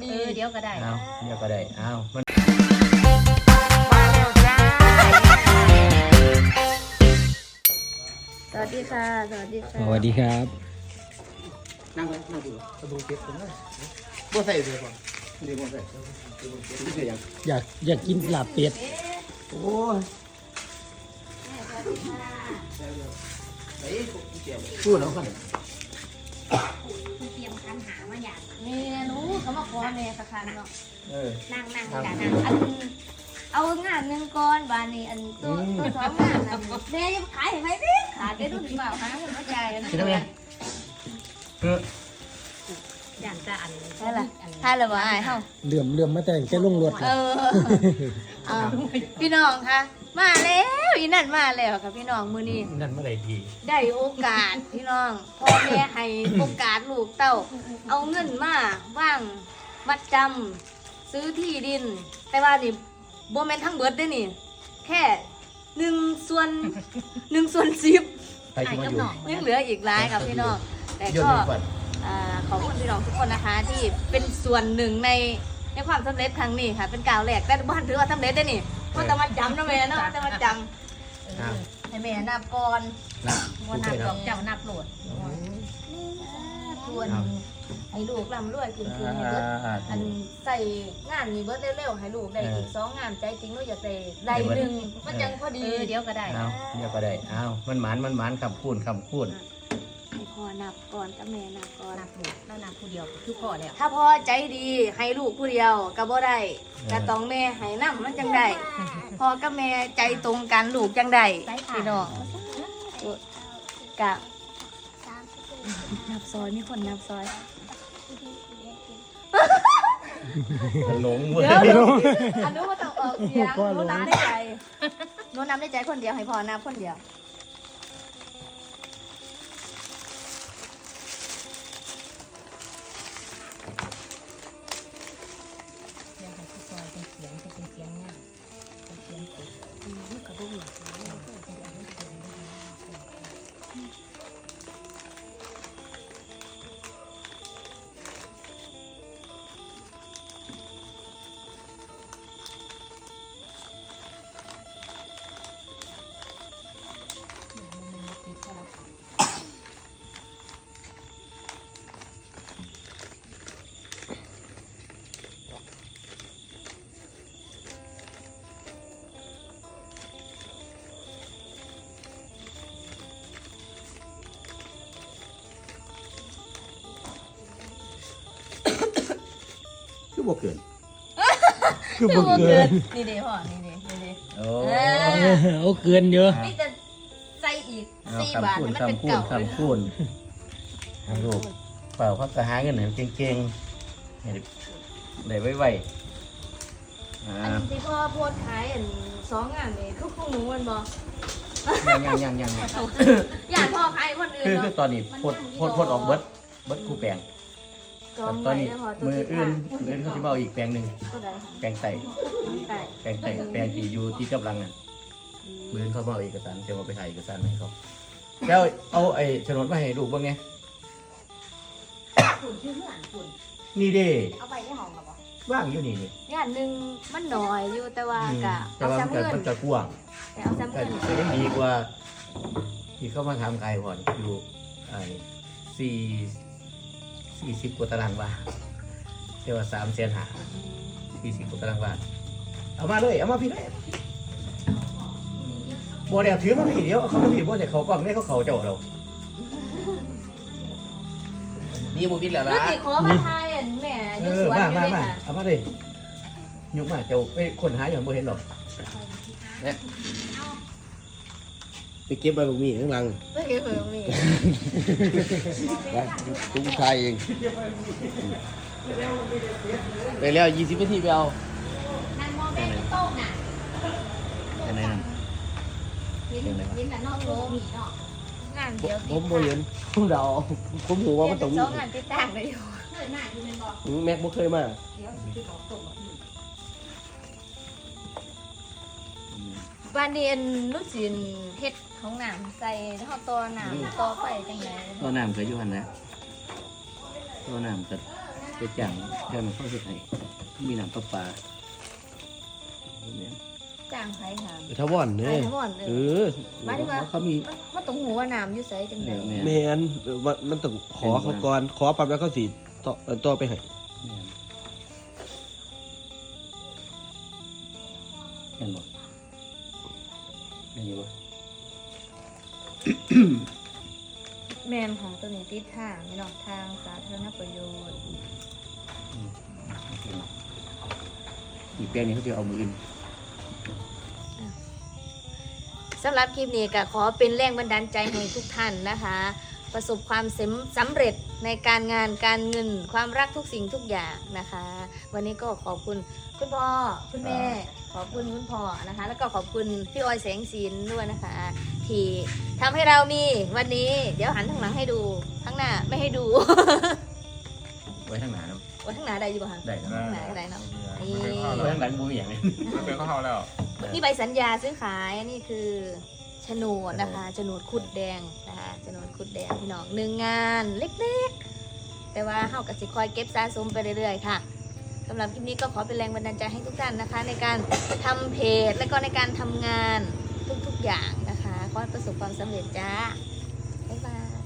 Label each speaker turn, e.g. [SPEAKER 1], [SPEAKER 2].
[SPEAKER 1] เดี๋ยวก็ได้
[SPEAKER 2] เอาเดี๋ยวก็ได้เอามัน
[SPEAKER 1] สวัสดีค่ะสวัสดีค่ะ
[SPEAKER 3] สวัสดีครับ
[SPEAKER 4] นั่งเลยนั่งดูกระดูกเก็บตรงนั้นบ่ใส่เลยก่อนเดี๋ยวบ่ใส่ไม่ใส่ยัง
[SPEAKER 3] อยากกินลาบเป็ด
[SPEAKER 4] โอ้ยพูดแล้วกัน
[SPEAKER 1] เตรียมคันหามาอย่างนี่รู้เขามาขอแม่สักคันเนาะ นั่งนี่แหละนั่งเอางานหนึ่งก้อนบานนี้อันตัวสองงานอันแม่ยังขายให้ไหมดิขาดได้รุ่นเปล่าคะคุณเข้าใจนะ
[SPEAKER 2] คิดได้ไหม
[SPEAKER 1] อย่างจะอันใช่ละใช่ละบ่ไอ้เฮา
[SPEAKER 3] เหลื่อมมาแต่งแค่ลงรถ
[SPEAKER 1] พี่น้องคะมาแล้วอีนั่นมาแล้วค่ะพี่น้องมื้อนี้
[SPEAKER 2] นั่นเมื่อไหร่ดี
[SPEAKER 1] ได้โอกาสพี่น้องพ่อแม่ให้โอกาสลูกเต้าเอาเงินมาว่างมัดจำซื้อที่ดิน แต่ว่านี่โบแมนทั้งเบิดได้อนี่แค่1/10
[SPEAKER 2] ไปที่มาอยู่
[SPEAKER 1] ยังเหลืออีกหลายครับพี่น้องแต่
[SPEAKER 2] ยน
[SPEAKER 1] ก็
[SPEAKER 2] ต์ก่อน
[SPEAKER 1] ขอบคุณพี่น้องทุกคนนะคะ ที่เป็นส่วนหนึ่งในความสำเร็จครั้งนี้ค่ะเป็นก้าวแรกแต่บ้านถือว่าสำเร็จได้อนี่ว่าแต่มาจำนะแม่เนาะแต่มาจำให้แม่นับก่อน
[SPEAKER 2] นะ
[SPEAKER 1] วันนับดอกเจ้านับโหลดส่วนให้ลูกร่ำรวยขึ้นให้เบิดอันใส่งานนี้เบิดเร็วๆให้ลูกได้อีก2 งานใจจริงลูกอยากได้หนึ่งมันจังพอดีเดี๋ยวก็ได้
[SPEAKER 2] เอาเดี๋ยวก็ได้เอามันหมานคำพูด
[SPEAKER 1] ให้พ่อนับก่อนกับแม่นับก่อนนับลูกแล้วนับผู้เดียวคือพ่อแล้ว
[SPEAKER 2] ถ้า
[SPEAKER 1] ถ้าพ่อใจดีให้ลูกผู้เดียวก็บ่ได้ก็ต้องแม่ให้นำมันจังได้พ่อกับแม่ใจตรงกันลูกจังได้พี่น้องกะนับซอยมีคนนับซอย
[SPEAKER 2] หลงเว้ย
[SPEAKER 1] เดี๋ยวอันนู้นมาต้องออกเสียงโน้นนับได้ใจโน้นนับได้ใจคนเดียวให้พ่อนับคนเดียว
[SPEAKER 4] คือบ่เกิน
[SPEAKER 3] คือบ่เกิน
[SPEAKER 1] นี่เด้พ่อนี่เด้นี่เด้
[SPEAKER 2] โอ้
[SPEAKER 3] เอาเกินเยอะ
[SPEAKER 1] นี่จะใส่อีก
[SPEAKER 2] เอา
[SPEAKER 1] 4 บาทให้มันเป็นเก่า
[SPEAKER 2] คำพูดลูกเปล่าเขาจะหาเงินให้เก่งๆให้ได้ไวๆ
[SPEAKER 1] อันที่พ่อโพสขายอัน2 งานนี่คือของหนูมันบ่
[SPEAKER 2] ยัง
[SPEAKER 1] อยากพ่อขายคนอื่น
[SPEAKER 2] คือ
[SPEAKER 1] เนาะ
[SPEAKER 2] ตอนนี้พดออกเบิดคู่แปลงตอนนี้มืออื่นเขาจะมาเอาอีกแปลงหนึ่ง
[SPEAKER 1] ก็ได้
[SPEAKER 2] แปลงไต่
[SPEAKER 1] ไก่
[SPEAKER 2] แปลงไต่แปลงที่อยู่ที่กำลังอ่ะมืออื่นเขามาเอาเอกสารจะมาไปถ่ายเอกสารให้เขาแล้วเอาไอ้โฉนดมาให้ลูกบ้างไง
[SPEAKER 1] ฝุ่นชื่อเพื่อนฝุ่น
[SPEAKER 2] นี่เด้
[SPEAKER 1] เอาไปที่ห้องหรอปะ
[SPEAKER 2] ว่างอยู่นี่นี่
[SPEAKER 1] งานหนึ่งมันหน่อยอยู่แต่ว่า
[SPEAKER 2] อืม
[SPEAKER 1] กะ
[SPEAKER 2] แต่
[SPEAKER 1] เอา
[SPEAKER 2] ว่า
[SPEAKER 1] ซ้ำเงิน
[SPEAKER 2] มันจะกว้าง
[SPEAKER 1] แต่เอาซ้ำ
[SPEAKER 2] แต่
[SPEAKER 1] เงิน
[SPEAKER 2] ก็ยังดีกว่าที่เขามาทำไกลก่อนอยู่ไอ้40 กว่าตารางวาเรียกว่า350,000 40 กว่าตารางวาเอามาเลยเอามาพี่เลยบ่เดี๋ยวถือมาพี่เดียวเอาเขามาพี่บ่เดี๋ยวเขากล้องนี่เขาเจ้าเรานี่บ่ผิดแล้ว
[SPEAKER 1] รู้
[SPEAKER 2] ล่ะ
[SPEAKER 1] จิขอมาทายอันแม่อ
[SPEAKER 2] เอยู่
[SPEAKER 1] ส
[SPEAKER 2] อ
[SPEAKER 1] วน
[SPEAKER 2] มา
[SPEAKER 1] อยู่เลย
[SPEAKER 2] มา
[SPEAKER 1] ค่ะ
[SPEAKER 2] เอามาเลยยกมาเจ้าไปคนหาอย่างบ่เห็นหรอก
[SPEAKER 4] ไปเก็บใบบุกมีข้างหลัง
[SPEAKER 1] ไม่เคยเห็นมี
[SPEAKER 4] ไปตุ้งชายเองไปแล้ว20 นาทีไปเอา
[SPEAKER 1] นั่นมองแม่ที่โต๊ะน่ะ
[SPEAKER 2] อันไหนนั่น
[SPEAKER 1] ยิ้มแต่นอกโลมีเนาะงานเดียว
[SPEAKER 4] ผมบ่เห็นผมเดาผมหูว่ามันต้องมี
[SPEAKER 1] 2 งานติดต่างเลยอยู่เคยมาอยู่เป็นบ่
[SPEAKER 4] แม็กบ่เคยมา
[SPEAKER 1] เดี๋ยวสิบอกตรงบ้านเรียนลูกศิลเฮ็ดของน้ำใส่ท่อตัวน้ำต่อไปจังได
[SPEAKER 2] ตัวน้ำเคยอยู่หันนะตัวน้ำก็
[SPEAKER 4] ไป
[SPEAKER 2] จ้างเขาสุดให้มีน้ำประปาเนี่ย
[SPEAKER 1] จ้างใครหาม
[SPEAKER 4] ทาวอน
[SPEAKER 1] ใคร
[SPEAKER 4] เนี่ย
[SPEAKER 1] ทั้งหมด
[SPEAKER 4] เอ
[SPEAKER 1] เลย
[SPEAKER 4] อ
[SPEAKER 1] หมายถึงว่า
[SPEAKER 2] เขามี
[SPEAKER 1] มันตรงหัวน้ำอยู่ไสจังได๋
[SPEAKER 4] แมนมันต้องขอเขาก่อนขอปั๊บแล้วเขาสิต่อไปให้
[SPEAKER 2] เห็นบ่เห็นอยู่บ่
[SPEAKER 1] แมนของตัวนี้ติดทางไม่นอกทางสาธารณประโยชน์
[SPEAKER 2] อีกแปลงนี้เขาจะเอามืออื่น
[SPEAKER 1] สำหรับคลิปนี้ก็ขอเป็นแรงบันดาลใจให้ทุกท่านนะคะ ประสบความสำเร็จในการงานการเงินความรักทุกสิ่งทุกอย่างนะคะ วันนี้ก็ขอบคุณคุณพ่อคุณแม่ขอบคุณคุณพ่อนะคะ แล้วก็ขอบคุณพี่ออยแสงสินด้วยนะคะ ที่ทำให้เรามีวันนี้เดี๋ยวหันทางหลังให้ดูข้างหน้าไม่ให้ดู
[SPEAKER 2] ไว้ข้างหน้าเนาะ
[SPEAKER 1] ไว้ข้างหน้าได้อยู่ป่ะคะ
[SPEAKER 2] ได้ครับ
[SPEAKER 1] ข้างหน้าก็ได้เนาะนี่
[SPEAKER 2] ไว้ข้างหลังบ่มีอย่างนี้
[SPEAKER 5] เป็นข้าวแล้ว
[SPEAKER 1] นี่ใบสัญญาซื้อขายนี่คือโฉนดนะคะโฉนดขุดแดงนะคะโฉนดขุดแดงพี่น้องหนึ่งงานเล็กๆ แต่ว่าเฮากับสิคอยเก็บสะสมไปเรื่อยๆค่ะสำหรับคลิปนี้ก็ขอเป็นแรงบันดาลใจให้ทุกท่านนะคะ ในการทำเพจและก็ในการทำงานทุกๆอย่างนะคะขอให้ประสบความสำเร็จจ้าบ๊ายบาย